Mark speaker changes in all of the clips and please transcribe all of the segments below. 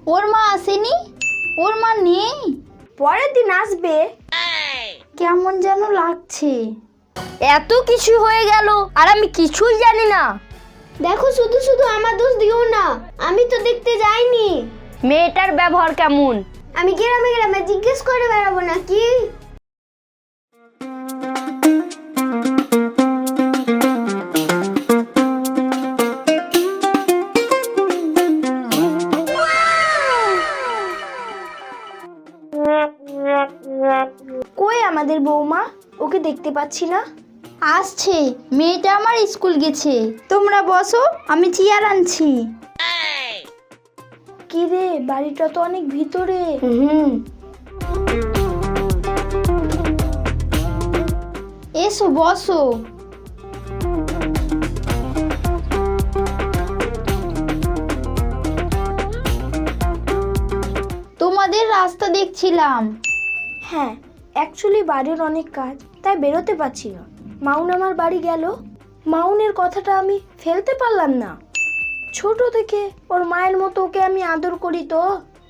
Speaker 1: ওর মা আসেনি? ওর মা নেই?
Speaker 2: পরের দিন আসবে।
Speaker 1: কেমন যেন লাগছে।
Speaker 3: এত কিছু হয়ে গেল আর আমি কিছুই জানি না।
Speaker 4: দেখো শুধু শুধু আমার দোষ দিও না, আমি তো দেখতে যাইনি।
Speaker 3: মেয়েটার ব্যবহার কেমন?
Speaker 4: আমি গ্রামে গ্রামে জিজ্ঞেস করে বেড়াবো নাকি?
Speaker 2: কই আমাদের বৌমা? ওকে দেখতে পাচ্ছি না।
Speaker 1: আসছে, মেয়েটা আমার স্কুল গেছে। তোমরা বসো, আমি চেয়ার আনছি।
Speaker 2: কি রে, বাড়িটা তো অনেক ভিতরে।
Speaker 1: এসো বসো। তোমাদের রাস্তা দেখছিলাম।
Speaker 2: হ্যাঁ, অ্যাকচুয়ালি বাড়ির অনেক কাজ, তাই বেরোতে পারছি না। মাউন আমার বাড়ি গেল, মাউনের কথাটা আমি ফেলতে পারলাম না। ছোট থেকে ওর মায়ের মতো ওকে আমি আদর করি তো।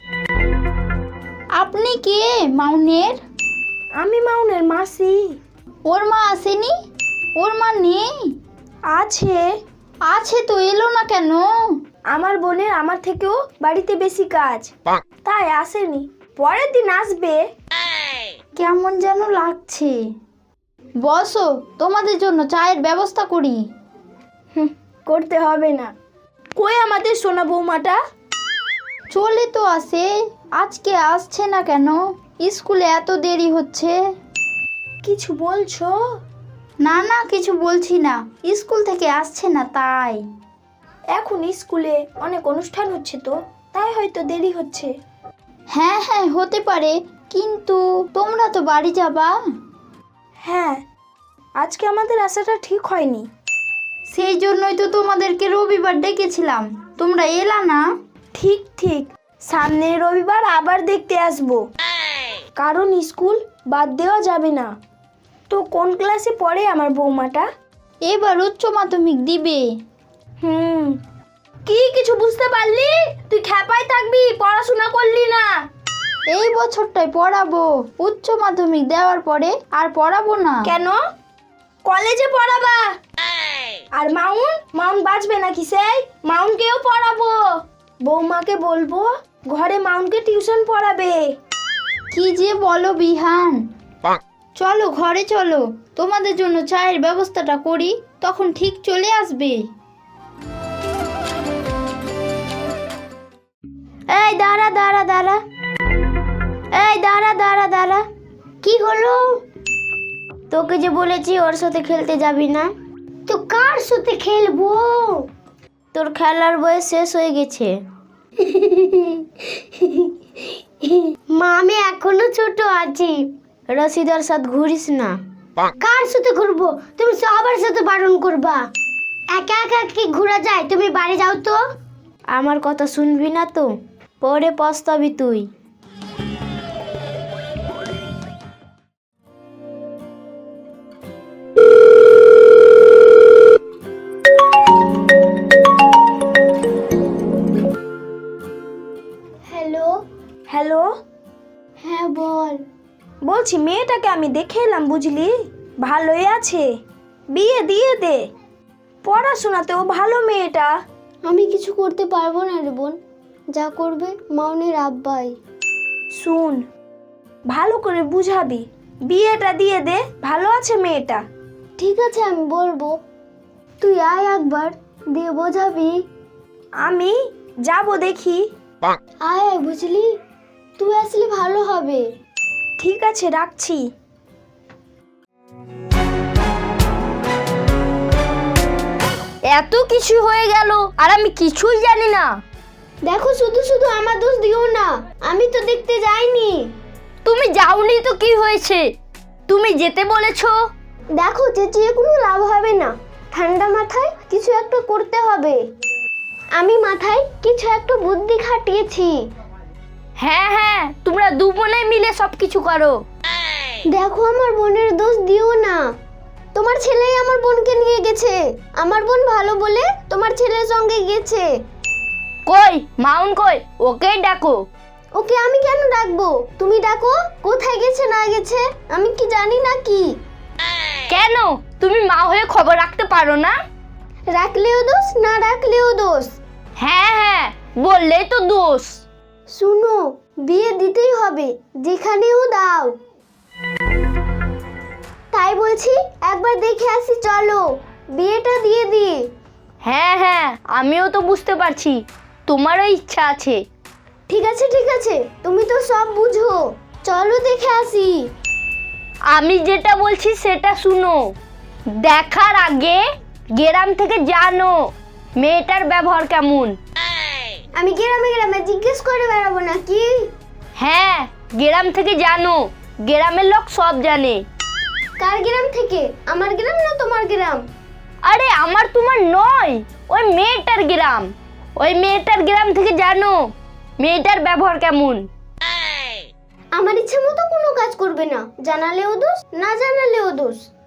Speaker 1: আপনি কে মাউনের?
Speaker 2: আমি মাউনের মাসি।
Speaker 1: ওর মা আসেনি? ওর মা নেই?
Speaker 2: আছে।
Speaker 1: আছে তো, এলো না কেন?
Speaker 2: আমার বোনের আমার থেকেও বাড়িতে বেশি কাজ, তাই আসেনি। পরের দিন আসবে।
Speaker 1: কেমন যেন লাগছে। বসো, তোমাদের জন্য চায়ের ব্যবস্থা করি।
Speaker 2: করতে হবে না। কই আমাদের সোনা বৌমাটা?
Speaker 1: চলে তো আসে, আজকে আসছে না কেন? স্কুলে এত দেরি হচ্ছে।
Speaker 2: কিছু বলছো?
Speaker 1: না না, কিছু বলছি না, স্কুল থেকে আসছে না তাই।
Speaker 2: এখন স্কুলে অনেক অনুষ্ঠান হচ্ছে তো, তাই হয়তো দেরি হচ্ছে।
Speaker 1: হ্যাঁ হ্যাঁ, হতে পারে, কিন্তু তোমরা তো বাড়ি যাবা।
Speaker 2: হ্যাঁ, আজকে আমাদের আসাটা ঠিক হয়নি।
Speaker 1: সেই জন্যই তো তোমাদেরকে রবিবার ডেকেছিলাম, তোমরা এলা না।
Speaker 2: ঠিক ঠিক, সামনের রবিবার আবার দেখতে আসবো, কারণ স্কুল বাদ দেওয়া যাবে না। তো কোন ক্লাসে পড়ে আমার বৌমাটা?
Speaker 1: এবার উচ্চ মাধ্যমিক দিবে।
Speaker 2: কি কিছু বুঝতে পারলি? তুই খ্যাপায় থাকবি, পড়াশোনা করলি না।
Speaker 1: এই বছরটাই পড়াবো, উচ্চ মাধ্যমিক দেওয়ার পরে আর পড়াবো না।
Speaker 2: কেন? কলেজে পড়াবা। আর মাউন বাঁচবে নাকি? সেই মাউনকেও পড়াবো। বৌমাকে বলবো ঘরে মাউনকে টিউশন পড়াবে।
Speaker 1: কি যে বলো বিহান। চলো ঘরে চলো, তোমাদের জন্য চায়ের ব্যবস্থাটা করি, তখন ঠিক চলে আসবে।
Speaker 4: এই দাঁড়া দাঁড়া দাঁড়া, এই দাঁড়া দাঁড়া দাঁড়া। কি হলো? তোকে যে বলেছি ওর সাথে খেলতে যাবি না। তো কার সাথে খেলবো? তোর খেলার বয়স শেষ হয়ে গেছে। মা, আমি এখনো ছোট আছি। রশিদার সাথে ঘুরিস না। কার সাথে ঘুরবো? তুমি সবার সাথে বারণ করবা। একা একা কি ঘোরা যায়? তুমি বাড়ি যাও তো। আমার কথা শুনবি না তো, পরে পস্তাবি তুই। হ্যালো।
Speaker 2: হ্যালো,
Speaker 4: হ্যাঁ বল।
Speaker 2: বলছি মেয়েটাকে আমি দেখে এলাম, বুঝলি? ভালোই আছে, বিয়ে দিয়ে দে। পড়াশোনাতেও ভালো মেয়েটা।
Speaker 4: আমি কিছু করতে পারবো না রে বোন, যা করবে মাউনের আব্বাই।
Speaker 2: শুন, ভালো করে বুঝাবি, বিয়েটা দিয়ে দে, ভালো আছে মেয়েটা।
Speaker 4: ঠিক আছে, আমি বলবো। তুই আয় একবার, দিয়ে বোঝাবি।
Speaker 2: আমি যাব, দেখি।
Speaker 4: আয় আয়, বুঝলি? তুই আসলে ভালো হবে।
Speaker 2: ঠিক আছে, রাখছি।
Speaker 3: এত কিছু হয়ে গেল আর আমি কিছুই জানি না।
Speaker 4: দেখো শুধু শুধু আমার দোষ দিও না, আমি তো দেখতে যাইনি।
Speaker 3: তুমি যাওনি তো কি হয়েছে? তুমি যেতে বলেছো।
Speaker 4: দেখো চেঁচিয়ে কোনো লাভ হবে না, ঠান্ডা মাথায় কিছু একটা করতে হবে। আমি মাথায় কিছু একটা বুদ্ধি খাটিয়েছি।
Speaker 3: হ্যাঁ হ্যাঁ, তোমরা দু বোনে মিলে সবকিছু করো।
Speaker 4: দেখো আমার বোনের দোষ দিও না, তোমার ছেলেই আমার বোনকে নিয়ে গেছে। আমার বোন ভালো বলে তোমার ছেলের সঙ্গে গেছে।
Speaker 3: কই মাউন কই, ওকেই ডাকো।
Speaker 4: ওকে আমি কেন ডাকবো? তুমি ডাকো। কোথায় গেছে না গেছে আমি কি জানি নাকি?
Speaker 3: কেন তুমি মা হয়ে খবর রাখতে পারো না?
Speaker 4: রাখলেও দোষ, না রাখলেও দোষ।
Speaker 3: হ্যাঁ হ্যাঁ, বললেই তো দোষ।
Speaker 4: শুনো, বিয়ে দিতেই হবে, যেখানেও দাও। তাই বলছি একবার দেখে আসি, চলো বিয়েটা দিয়ে দিই।
Speaker 3: হ্যাঁ হ্যাঁ, আমিও তো বুঝতে পারছি তোমারও ইচ্ছা আছে।
Speaker 4: ঠিক আছে ঠিক আছে, তুমি তো সব বুঝো, চলো দেখে আসি।
Speaker 3: আমি যেটা বলছি সেটা শুনো। দেখার আগে গ্রাম থেকে জানো মেয়েটার ব্যবহার কেমন।
Speaker 4: আমি গ্রামে গ্রামে জিজ্ঞেস করে বেড়াবো নাকি?
Speaker 3: হ্যাঁ, গ্রাম থেকে জানো, গ্রামের লোক সব জানে।
Speaker 4: কার গ্রাম থেকে? আমার গ্রাম না তোমার গ্রাম?
Speaker 3: আরে আমার তোমার নয়, ওই মেয়েটার গ্রাম। ওই মেয়েটার গ্রাম থেকে জানো মেয়েটার ব্যবহার কেমন।
Speaker 4: আমার ইচ্ছে মতো কোনো কাজ করবে না, জানালেও দোষ, না জানালেও দোষ।